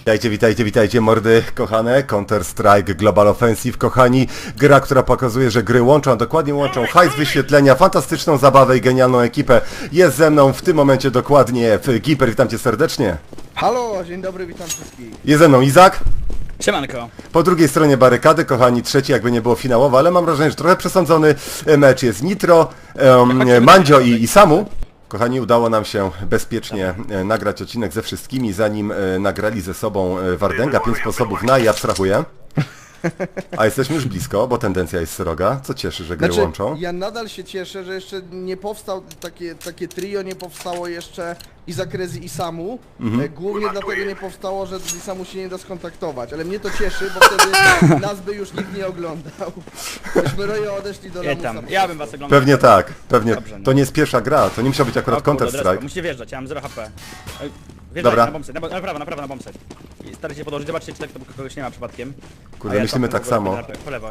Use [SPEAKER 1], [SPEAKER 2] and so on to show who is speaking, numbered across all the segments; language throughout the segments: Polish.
[SPEAKER 1] Witajcie mordy kochane, Counter-Strike Global Offensive, kochani, gra, która pokazuje, że gry łączą, a dokładnie łączą hajs wyświetlenia, fantastyczną zabawę i genialną ekipę. Jest ze mną w tym momencie dokładnie Giper, witam cię serdecznie.
[SPEAKER 2] Halo, dzień dobry, witam wszystkich.
[SPEAKER 1] Jest ze mną Izak.
[SPEAKER 3] Siemanko.
[SPEAKER 1] Po drugiej stronie barykady, kochani, trzeci jakby nie było finałowy, ale mam wrażenie, że trochę przesądzony mecz jest Nitro, Mandzio i Samu. Kochani, udało nam się bezpiecznie nagrać odcinek ze wszystkimi, zanim nagrali ze sobą Wardęga. 5 sposobów na i abstrahuję. A jesteśmy już blisko, bo tendencja jest sroga, co cieszy, że gry łączą.
[SPEAKER 2] Ja nadal się cieszę, że jeszcze nie powstał takie trio, nie powstało jeszcze Izak, Rezi i Samu. Głównie dlatego nie powstało, że z Samu się nie da skontaktować, ale mnie to cieszy, bo wtedy nas by już nikt nie oglądał. Myśmy Rojo odeszli do lamusa.
[SPEAKER 3] Ja bym was oglądał.
[SPEAKER 1] Pewnie tak, pewnie.
[SPEAKER 3] Dobrze, no.
[SPEAKER 1] To nie jest pierwsza gra, to nie musiał być akurat Counter-Strike.
[SPEAKER 3] Musicie wjeżdżać, ja mam 0 HP. Wjeżdżaj
[SPEAKER 1] Dobra.
[SPEAKER 3] na bombset, na prawo na bombset. I starajcie się podłożyć, zobaczcie czy tak to kogoś nie ma przypadkiem.
[SPEAKER 1] Kurde, myślimy tak samo.
[SPEAKER 3] Po lewo.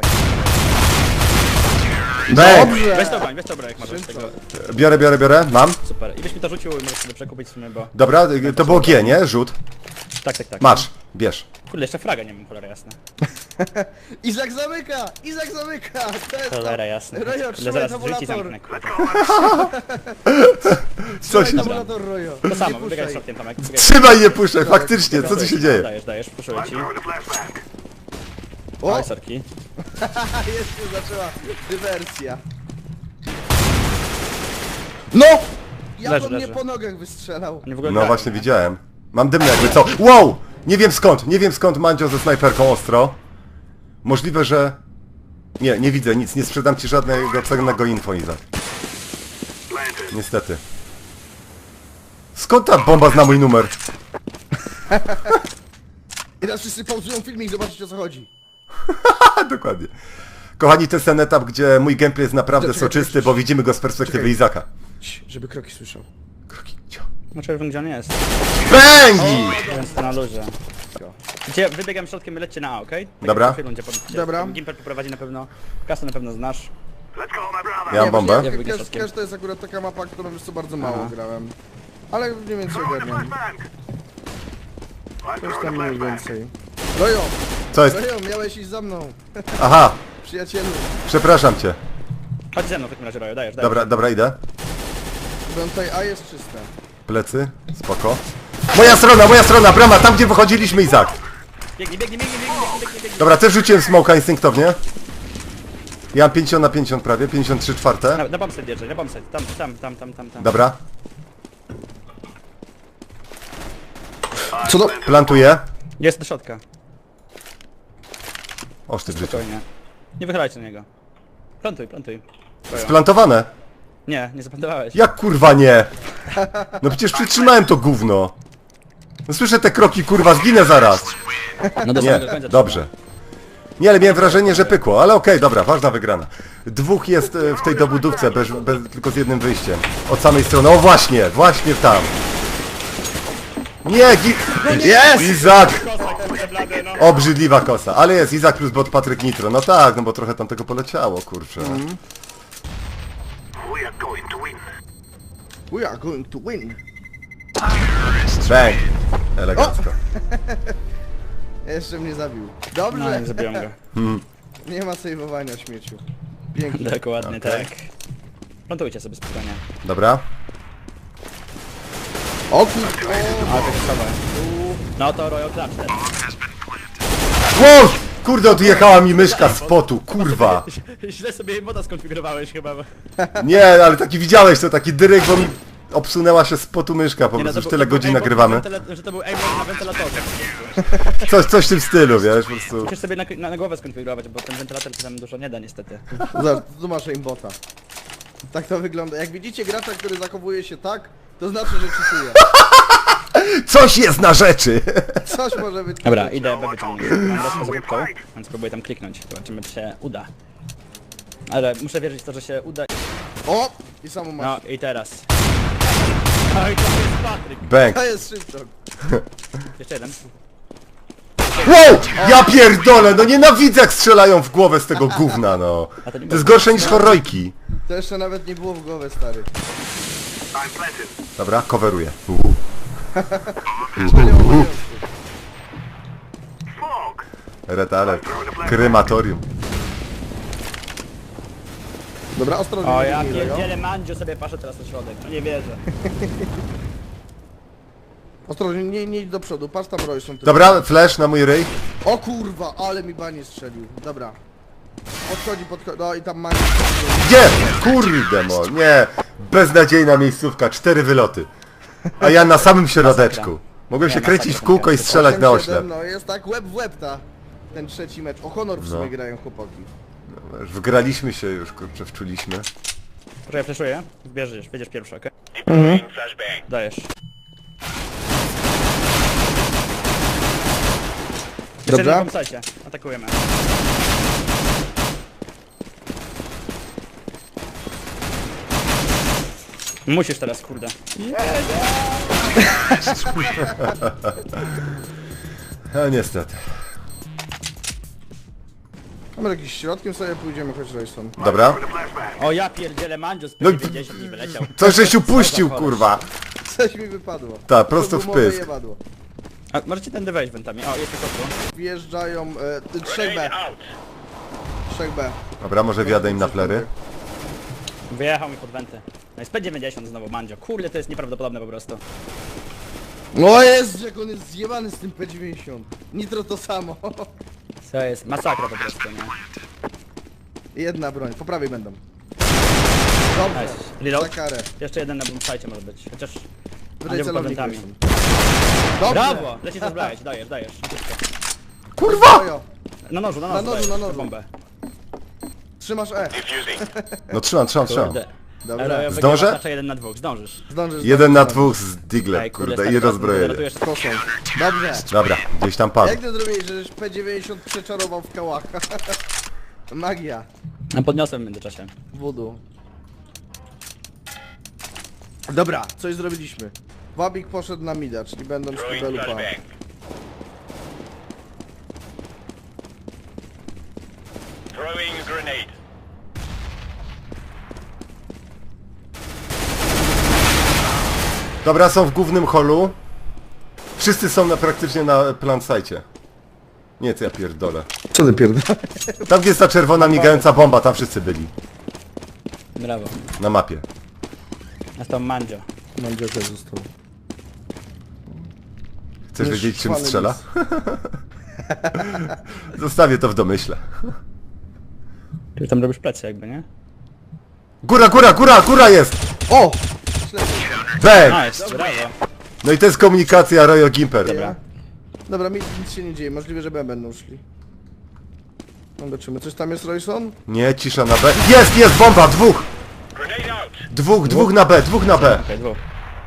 [SPEAKER 2] Dobrze!
[SPEAKER 3] Weź to broń, jak możesz tego.
[SPEAKER 1] Biorę, mam.
[SPEAKER 3] Super. I byś mi to rzucił i możesz sobie przekupić w sumie, bo...
[SPEAKER 1] Dobra, to było G, nie? Rzut.
[SPEAKER 3] Tak.
[SPEAKER 1] Masz, bierz.
[SPEAKER 3] Kurde, jeszcze fraga nie mam, cholera jasna.
[SPEAKER 2] Izak zamyka! Izak zamyka! To jest to.
[SPEAKER 3] Cholera jasna.
[SPEAKER 2] Rojo,
[SPEAKER 3] Kurde,
[SPEAKER 2] trzymaj
[SPEAKER 3] zaraz
[SPEAKER 2] tabulator.
[SPEAKER 3] drzwi zamknę, kurde.
[SPEAKER 1] Co się dzieje?
[SPEAKER 2] Tabulator, Rojo.
[SPEAKER 3] To samo,
[SPEAKER 2] Nie
[SPEAKER 3] wybiegaj
[SPEAKER 2] puszczaj.
[SPEAKER 3] środkiem Tomek.
[SPEAKER 1] Trzymaj je puszczę, faktycznie, co tu się dzieje?
[SPEAKER 3] Dajesz, puszuję ci.
[SPEAKER 2] O!
[SPEAKER 3] Oj, sorki.
[SPEAKER 2] Jest się zaczęła dywersja. No! Jak
[SPEAKER 3] Leży,
[SPEAKER 2] on mnie
[SPEAKER 3] leży.
[SPEAKER 2] po nogach wystrzelał.
[SPEAKER 3] Oni w ogóle
[SPEAKER 1] No
[SPEAKER 3] grają,
[SPEAKER 1] właśnie
[SPEAKER 3] nie?
[SPEAKER 1] widziałem. Mam dymny jakby co. Wow! Nie wiem skąd Mandzio ze snajperką ostro. Możliwe, że... Nie widzę nic, nie sprzedam ci żadnego cennego info, Izak. Niestety. Skąd ta bomba zna mój numer?
[SPEAKER 2] I teraz wszyscy pauzują filmik, zobaczyć o co chodzi.
[SPEAKER 1] Dokładnie. Kochani, to jest ten etap, gdzie mój gameplay jest naprawdę
[SPEAKER 2] Czekaj,
[SPEAKER 1] soczysty, bo widzimy go z perspektywy
[SPEAKER 2] Czekaj.
[SPEAKER 1] Izaka.
[SPEAKER 2] Żeby kroki słyszał.
[SPEAKER 1] Kroki, cio.
[SPEAKER 3] No czerwony gdzie on jest?
[SPEAKER 1] Bęgi!
[SPEAKER 3] Więc to na luzie. Gdzie wybiegam środkiem, lećcie na A, okej? Tak
[SPEAKER 1] Dobra.
[SPEAKER 3] jak w rundzie
[SPEAKER 2] Dobra.
[SPEAKER 3] Gimper poprowadzi na pewno. Kasę na pewno znasz.
[SPEAKER 1] Ja mam bombę.
[SPEAKER 3] Ja wybiegam środkiem.
[SPEAKER 2] Cash to jest akurat taka mapa, którą już co bardzo mało grałem. Ale mniej więcej ogarniam. Coś tam mniej więcej. Rojo!
[SPEAKER 1] Co jest?
[SPEAKER 2] Rojo, miałeś iść za mną.
[SPEAKER 1] Aha,
[SPEAKER 2] Przyjacielu.
[SPEAKER 1] przepraszam cię.
[SPEAKER 3] Chodź ze mną w takim razie, Rojo, dajesz.
[SPEAKER 1] Dobra, idę.
[SPEAKER 2] Bo tutaj A jest czyste.
[SPEAKER 1] Plecy, spoko. Moja strona, brama, tam gdzie wychodziliśmy, Izak.
[SPEAKER 3] Biegnij.
[SPEAKER 1] Dobra, też rzuciłem smoka instynktownie. Ja mam 50 na 50 prawie, 53 czwarte.
[SPEAKER 3] Na bombset wjeżdżaj, na bombset. Tam.
[SPEAKER 1] Dobra,
[SPEAKER 2] Co do...
[SPEAKER 1] plantuję.
[SPEAKER 3] Jest do środka.
[SPEAKER 1] Oż ty w życiu.
[SPEAKER 3] Spokojnie. Nie wychylajcie na niego. Plantuj. Rojo.
[SPEAKER 1] Splantowane.
[SPEAKER 3] Nie zaplantowałeś.
[SPEAKER 1] Jak kurwa nie? No przecież przytrzymałem to gówno. No słyszę te kroki, kurwa, zginę zaraz.
[SPEAKER 3] No do
[SPEAKER 1] Nie,
[SPEAKER 3] samego końca
[SPEAKER 1] dobrze. Nie, ale miałem wrażenie, że pykło, ale okej, dobra, ważna wygrana. Dwóch jest w tej dobudówce, tylko z jednym wyjściem. Od samej strony, o właśnie tam. Nie, jest! Izak! Obrzydliwa kosa, ale jest Izak plus bot Patryk Nitro. No tak, no bo trochę tam tego poleciało, kurczę.
[SPEAKER 2] We are going to win.
[SPEAKER 1] Bang! Elegancko.
[SPEAKER 2] Jeszcze mnie zabił.
[SPEAKER 3] No,
[SPEAKER 2] Dobrze.
[SPEAKER 3] nie zabiłem go.
[SPEAKER 2] Nie ma sejwowania śmieciu. Pięknie.
[SPEAKER 3] Dokładnie
[SPEAKER 1] Okej.
[SPEAKER 3] tak. Plantujcie sobie spokojnie.
[SPEAKER 1] Dobra.
[SPEAKER 2] O kurwa.
[SPEAKER 3] Ale to jest słabe. No to Royal Clutch teraz.
[SPEAKER 1] Wow! Kurde, odjechała mi myszka z potu, kurwa.
[SPEAKER 3] Źle sobie moda skonfigurowałeś chyba.
[SPEAKER 1] Nie, ale taki widziałeś to, taki dyrek, bo mi obsunęła się z potu myszka, po prostu już tyle godzin nagrywamy.
[SPEAKER 3] Że to był aimbot na wentylatorze.
[SPEAKER 1] Coś w tym stylu, wiesz, po prostu.
[SPEAKER 3] Musisz sobie na głowę skonfigurować, bo ten wentylator ci tam dużo nie da niestety.
[SPEAKER 2] Tu masz aimbota. Tak to wygląda. Jak widzicie gracza, który zachowuje się tak, to znaczy, że czytuje.
[SPEAKER 1] Coś jest na rzeczy!
[SPEAKER 2] Coś może być.
[SPEAKER 3] Dobra, idę B wyciągnąć. Mam deskę za łódką, więc próbuję tam kliknąć. Zobaczymy czy się uda. Ale muszę wierzyć w to, że się uda.
[SPEAKER 2] O! I samo masz.
[SPEAKER 3] No i teraz. Oj, to jest Patryk.
[SPEAKER 1] Bang!
[SPEAKER 2] To jest szybko.
[SPEAKER 3] Jeszcze jeden.
[SPEAKER 1] Wow! Ja pierdolę, no nienawidzę jak strzelają w głowę z tego gówna, no. To jest gorsze niż horrojki.
[SPEAKER 2] To jeszcze nawet nie było w głowę, stary.
[SPEAKER 1] Dobra, coveruję.
[SPEAKER 2] Jeszcze nie ma obowiązku.
[SPEAKER 1] Red alert. Krematorium.
[SPEAKER 2] Dobra, ostrożnie.
[SPEAKER 3] O
[SPEAKER 2] nie
[SPEAKER 3] ja
[SPEAKER 2] bijmy go.
[SPEAKER 3] pierdzielę, Mandzio sobie patrzę teraz na środek, no nie wierzę.
[SPEAKER 2] Ostrożnie, nie idź do przodu, patrz tam Royson. tylko.
[SPEAKER 1] Dobra, flash na mój ryj.
[SPEAKER 2] O kurwa, ale mi banie strzelił. Dobra. Podchodzi, no i tam ma...
[SPEAKER 1] Gdzie? Kurde mo, nie. Beznadziejna miejscówka, 4 wyloty. A ja na samym środeczku. Mogłem się
[SPEAKER 3] Nie,
[SPEAKER 1] kręcić w
[SPEAKER 3] masakra.
[SPEAKER 1] kółko i strzelać na
[SPEAKER 2] 8-7,
[SPEAKER 1] oślep.
[SPEAKER 2] no jest tak łeb w łeb ten trzeci mecz. O honor w sumie
[SPEAKER 1] No.
[SPEAKER 2] grają chłopaki.
[SPEAKER 1] Już wgraliśmy się, już kurczę wczuliśmy.
[SPEAKER 3] Proszę, ja flashuję. Bierzesz, będziesz pierwszy, okej? Dajesz. Jeszcze
[SPEAKER 2] Dobra.
[SPEAKER 3] na bombsite. Atakujemy. Musisz teraz, kurde.
[SPEAKER 1] A niestety.
[SPEAKER 2] Mamy jakiś środkiem sobie pójdziemy, choć Royson.
[SPEAKER 1] Dobra.
[SPEAKER 3] O ja pierdzielę, Mandzio z
[SPEAKER 1] No i-
[SPEAKER 3] 50 mi wyleciał.
[SPEAKER 1] Coś żeś upuścił, kurwa.
[SPEAKER 2] Coś mi wypadło.
[SPEAKER 1] Tak, prosto
[SPEAKER 2] To
[SPEAKER 1] w
[SPEAKER 2] gumowe
[SPEAKER 1] pysk.
[SPEAKER 2] jebadło.
[SPEAKER 3] A możecie tędy wejść wentami. O, jest tylko tu.
[SPEAKER 2] Wjeżdżają 3B. 3B.
[SPEAKER 1] Dobra, może wjadę im na flery.
[SPEAKER 3] Wyjechał mi pod wenty. No jest P90 znowu, Mandzio. Kurde, to jest nieprawdopodobne po prostu.
[SPEAKER 2] No jest, jak on jest zjebany z tym P90. Nitro to samo.
[SPEAKER 3] To jest masakra po prostu, nie?
[SPEAKER 2] Jedna broń, po prawej będą. Dobrze,
[SPEAKER 3] Nice. Reload.
[SPEAKER 2] za karę.
[SPEAKER 3] Jeszcze jeden na bombsite może być. Chociaż...
[SPEAKER 2] Wydaj
[SPEAKER 3] Mandzio pod
[SPEAKER 2] celownik.
[SPEAKER 3] wentami.
[SPEAKER 2] Royson. Dobrze.
[SPEAKER 3] Brawo! Leci to zbrajać, dajesz.
[SPEAKER 1] Kurwa!
[SPEAKER 2] Ojo,
[SPEAKER 3] Na nożu,
[SPEAKER 2] Na nożu,
[SPEAKER 3] dajesz
[SPEAKER 2] na nożu.
[SPEAKER 3] bombę.
[SPEAKER 2] trzymasz E.
[SPEAKER 1] No trzymam.
[SPEAKER 3] Kurde.
[SPEAKER 2] Dobra.
[SPEAKER 3] Ale
[SPEAKER 1] Zdążę?
[SPEAKER 3] Znaczy 1 na 2, zdążysz.
[SPEAKER 2] Zdążysz.
[SPEAKER 1] 1 na
[SPEAKER 2] zdążysz.
[SPEAKER 1] 2 z diglem,
[SPEAKER 3] Ej,
[SPEAKER 1] kurde,
[SPEAKER 3] stary,
[SPEAKER 1] i
[SPEAKER 3] teraz
[SPEAKER 1] rozbrojenie.
[SPEAKER 3] ratujesz-
[SPEAKER 2] Proszę. Dobrze.
[SPEAKER 1] Dobra, gdzieś tam padł.
[SPEAKER 2] Jak ty zrobiłeś, żeś P90 przeczarował w kałaka? Magia.
[SPEAKER 3] A podniosłem w międzyczasie.
[SPEAKER 2] Voodoo. Dobra, coś zrobiliśmy. Wabik poszedł na mida, czyli będą z kibelu pa.
[SPEAKER 4] Throwing grenade.
[SPEAKER 1] Dobra, są w głównym holu. Wszyscy są praktycznie na plant site. Nie, co ja pierdolę.
[SPEAKER 2] Co ty pierdol?
[SPEAKER 1] Tam gdzie jest ta czerwona migająca bomba, tam wszyscy byli.
[SPEAKER 3] Brawo.
[SPEAKER 1] Na mapie.
[SPEAKER 3] Nastał Mandzio.
[SPEAKER 2] Mam dziecię został.
[SPEAKER 1] Chcesz
[SPEAKER 2] Już
[SPEAKER 1] wiedzieć czym
[SPEAKER 2] chwalę
[SPEAKER 1] strzela? Zostawię to w domyśle.
[SPEAKER 3] Ty tam robisz plecy jakby, nie?
[SPEAKER 1] Góra jest!
[SPEAKER 2] O!
[SPEAKER 1] Bang!
[SPEAKER 3] Nice, brawo.
[SPEAKER 1] No i to jest komunikacja Royal Gimper.
[SPEAKER 2] Dobra. Dobra, nic się nie dzieje, możliwe, że B będą szli. Zobaczymy, coś tam jest Royson?
[SPEAKER 1] Nie, cisza na B. Jest, bomba!
[SPEAKER 4] Grenade out.
[SPEAKER 1] Dwóch na B.
[SPEAKER 3] Okej, dwóch.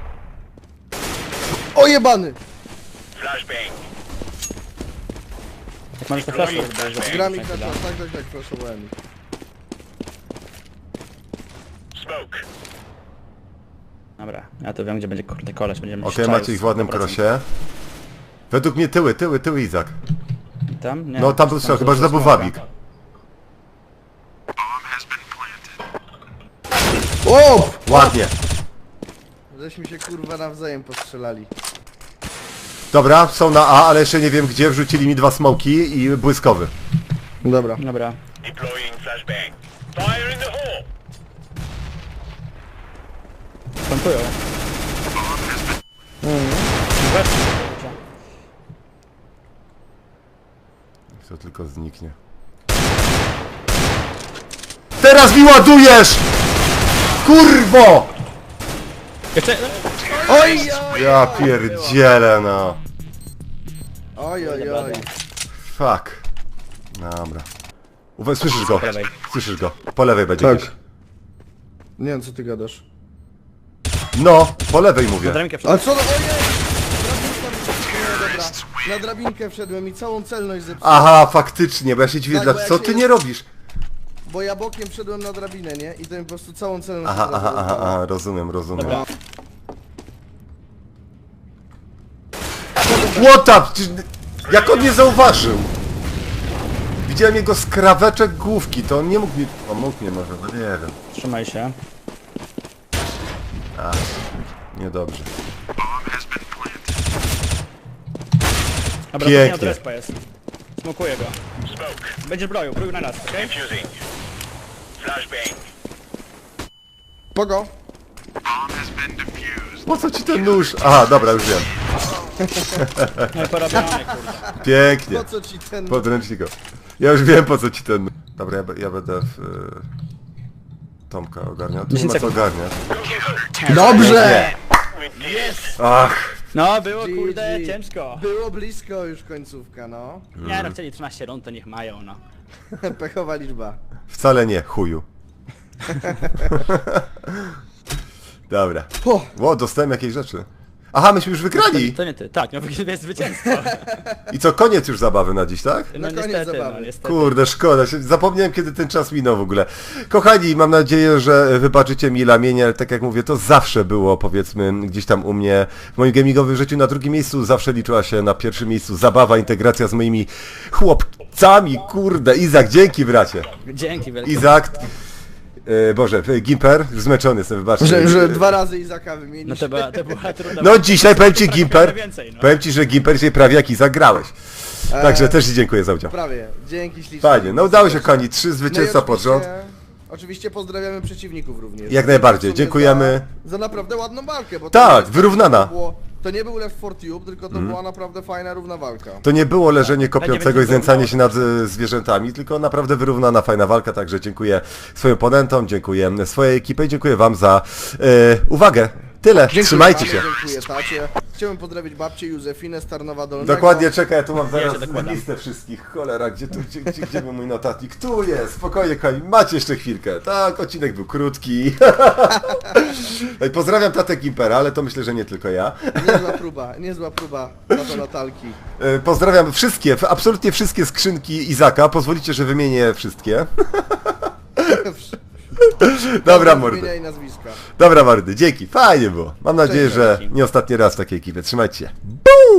[SPEAKER 2] O jebany!
[SPEAKER 4] Flashbang.
[SPEAKER 3] Jak możesz to flash
[SPEAKER 2] Gram ich na czas, tak, proszę ich.
[SPEAKER 4] Smoke.
[SPEAKER 3] Dobra, ja to wiem gdzie będzie kurde koleś, będziemy
[SPEAKER 1] Okej,
[SPEAKER 3] strzelić
[SPEAKER 1] macie ich w ładnym
[SPEAKER 3] 100%.
[SPEAKER 1] krosie. Według mnie tyły, Izak.
[SPEAKER 3] Tam? Nie.
[SPEAKER 1] No tam był strzał, chyba że to był Wabik.
[SPEAKER 2] O!
[SPEAKER 1] Ładnie.
[SPEAKER 2] Żeśmy się kurwa nawzajem postrzelali.
[SPEAKER 1] Dobra, są na A, ale jeszcze nie wiem gdzie. Wrzucili mi 2 smoki i błyskowy.
[SPEAKER 2] Dobra.
[SPEAKER 3] Dobra.
[SPEAKER 4] Deploying flashbang. Fire in the hole.
[SPEAKER 3] Plantują.
[SPEAKER 1] To tylko zniknie. Teraz mi ładujesz! Kurwo!
[SPEAKER 3] Jeszcze...
[SPEAKER 2] Oj, oj,
[SPEAKER 1] Ja pierdzielę, no.
[SPEAKER 2] oj,
[SPEAKER 1] Fuck. Dobra. Słyszysz go?
[SPEAKER 3] Po lewej.
[SPEAKER 1] Słyszysz go. Po lewej będzie
[SPEAKER 2] Tak.
[SPEAKER 1] gdzieś.
[SPEAKER 2] Nie wiem co ty gadasz.
[SPEAKER 1] No, po lewej mówię.
[SPEAKER 3] Na drabinkę
[SPEAKER 2] Ale
[SPEAKER 3] wszedł.
[SPEAKER 2] co no, ojej! Drabinka mi dobra. Na drabinkę wszedłem i całą celność zepsułem.
[SPEAKER 1] Aha, faktycznie, bo ja się dziwię,
[SPEAKER 2] Tak, bo jak
[SPEAKER 1] co
[SPEAKER 2] się
[SPEAKER 1] ty
[SPEAKER 2] jest-
[SPEAKER 1] nie robisz?
[SPEAKER 2] Bo ja bokiem wszedłem na drabinę, nie? I to mi po prostu całą celność
[SPEAKER 1] Aha,
[SPEAKER 2] od razu rozwalało.
[SPEAKER 1] aha, rozumiem.
[SPEAKER 3] Dobra.
[SPEAKER 1] What up? Jak on nie zauważył? Widziałem jego skraweczek główki, to on nie mógł mi... O, mógł nie może, no nie wiem.
[SPEAKER 3] Trzymaj się.
[SPEAKER 1] Niedobrze.
[SPEAKER 3] Dobra,
[SPEAKER 1] Pięknie.
[SPEAKER 3] to respa jest. Smokuję go.
[SPEAKER 4] Smoke.
[SPEAKER 3] Będziesz broił na nas, okej?
[SPEAKER 4] Defusing. Flashbang.
[SPEAKER 2] Pogo.
[SPEAKER 1] Po co ci ten nóż? Aha, dobra, już wiem.
[SPEAKER 3] No i porobione, kurde.
[SPEAKER 1] Pięknie.
[SPEAKER 2] Po co ci ten...
[SPEAKER 1] Podręcznika. Ja już wiem, po co ci ten... Dobra, ja będę w... Tomka ogarniał. Tu nie
[SPEAKER 3] 10
[SPEAKER 1] ma co
[SPEAKER 3] sekund.
[SPEAKER 1] ogarniać.
[SPEAKER 2] Dobrze!
[SPEAKER 4] We did it.
[SPEAKER 1] Ach,
[SPEAKER 3] No, było kurde
[SPEAKER 2] GG.
[SPEAKER 3] ciężko.
[SPEAKER 2] Było blisko już końcówka, no.
[SPEAKER 3] Nie no, chcieli 13 rund, to niech mają, no.
[SPEAKER 2] Pechowa liczba.
[SPEAKER 1] wcale nie, chuju. Dobra.
[SPEAKER 2] O,
[SPEAKER 1] Ło, dostałem jakieś rzeczy. Aha, myśmy już wygrali!
[SPEAKER 3] To nie ty. Tak, no jest zwycięstwo.
[SPEAKER 1] I co, koniec już zabawy na dziś, tak?
[SPEAKER 3] No
[SPEAKER 2] Na koniec
[SPEAKER 3] niestety,
[SPEAKER 2] zabawy.
[SPEAKER 3] no niestety.
[SPEAKER 1] Kurde, szkoda, zapomniałem kiedy ten czas minął w ogóle. Kochani, mam nadzieję, że wybaczycie mi lamienie, ale tak jak mówię, to zawsze było, powiedzmy, gdzieś tam u mnie w moim gamingowym życiu na drugim miejscu, zawsze liczyła się na pierwszym miejscu zabawa, integracja z moimi chłopcami, kurde. Izak, dzięki bracie.
[SPEAKER 3] Dzięki wielkie.
[SPEAKER 1] Izak, Boże, Gimper, już zmęczony jestem, wybaczcie.
[SPEAKER 2] że 2 razy Izaka
[SPEAKER 3] No
[SPEAKER 2] wymienić.
[SPEAKER 3] to była trudna...
[SPEAKER 1] No dzisiaj powiem ci Gimper,
[SPEAKER 3] Więcej, no.
[SPEAKER 1] powiem ci, że Gimper dzisiaj prawie jak Izak grałeś. Także też ci dziękuję za udział.
[SPEAKER 2] Prawie. Dzięki ślicznie.
[SPEAKER 1] Fajnie, no udało się kochani, 3
[SPEAKER 2] No i
[SPEAKER 1] zwycięstwa pod rząd.
[SPEAKER 2] Oczywiście pozdrawiamy przeciwników również.
[SPEAKER 1] Jak najbardziej,
[SPEAKER 2] W sumie
[SPEAKER 1] dziękujemy.
[SPEAKER 2] Za naprawdę ładną walkę, bo
[SPEAKER 1] Tak,
[SPEAKER 2] to
[SPEAKER 1] wyrównana.
[SPEAKER 2] To nie był Left 4 Tube, tylko to była naprawdę fajna, równa walka.
[SPEAKER 1] To nie było leżenie kopiącego i
[SPEAKER 3] będzie
[SPEAKER 1] znęcanie się nad zwierzętami, tylko naprawdę wyrównana, fajna walka, także dziękuję swoim oponentom, dziękuję swojej ekipie i dziękuję wam za uwagę. Tyle,
[SPEAKER 2] Dziękuję
[SPEAKER 1] trzymajcie
[SPEAKER 2] panu,
[SPEAKER 1] się.
[SPEAKER 2] Dziękuję tacie. Chciałbym pozdrowić babcię Józefinę z Tarnowa Dolnego.
[SPEAKER 1] Dokładnie, czekaj, ja tu mam
[SPEAKER 3] Ja
[SPEAKER 1] zaraz
[SPEAKER 3] się dokładam.
[SPEAKER 1] listę wszystkich. Cholera, gdzie był mój notatnik? Tu jest, spokojnie kochani, macie jeszcze chwilkę. Tak, odcinek był krótki. No i pozdrawiam tatę Gimpera, ale to myślę, że nie tylko ja.
[SPEAKER 2] Niezła próba tato latalki.
[SPEAKER 1] Pozdrawiam wszystkie, absolutnie wszystkie skrzynki Izaka. Pozwolicie, że wymienię wszystkie. Dobra, mordy.
[SPEAKER 2] Imienia i nazwiska.
[SPEAKER 1] Dobra, mordy, dzięki. Fajnie było. Mam nadzieję,
[SPEAKER 2] Cześć,
[SPEAKER 1] że
[SPEAKER 3] dzięki.
[SPEAKER 1] nie ostatni raz w takiej ekipie. Trzymajcie się.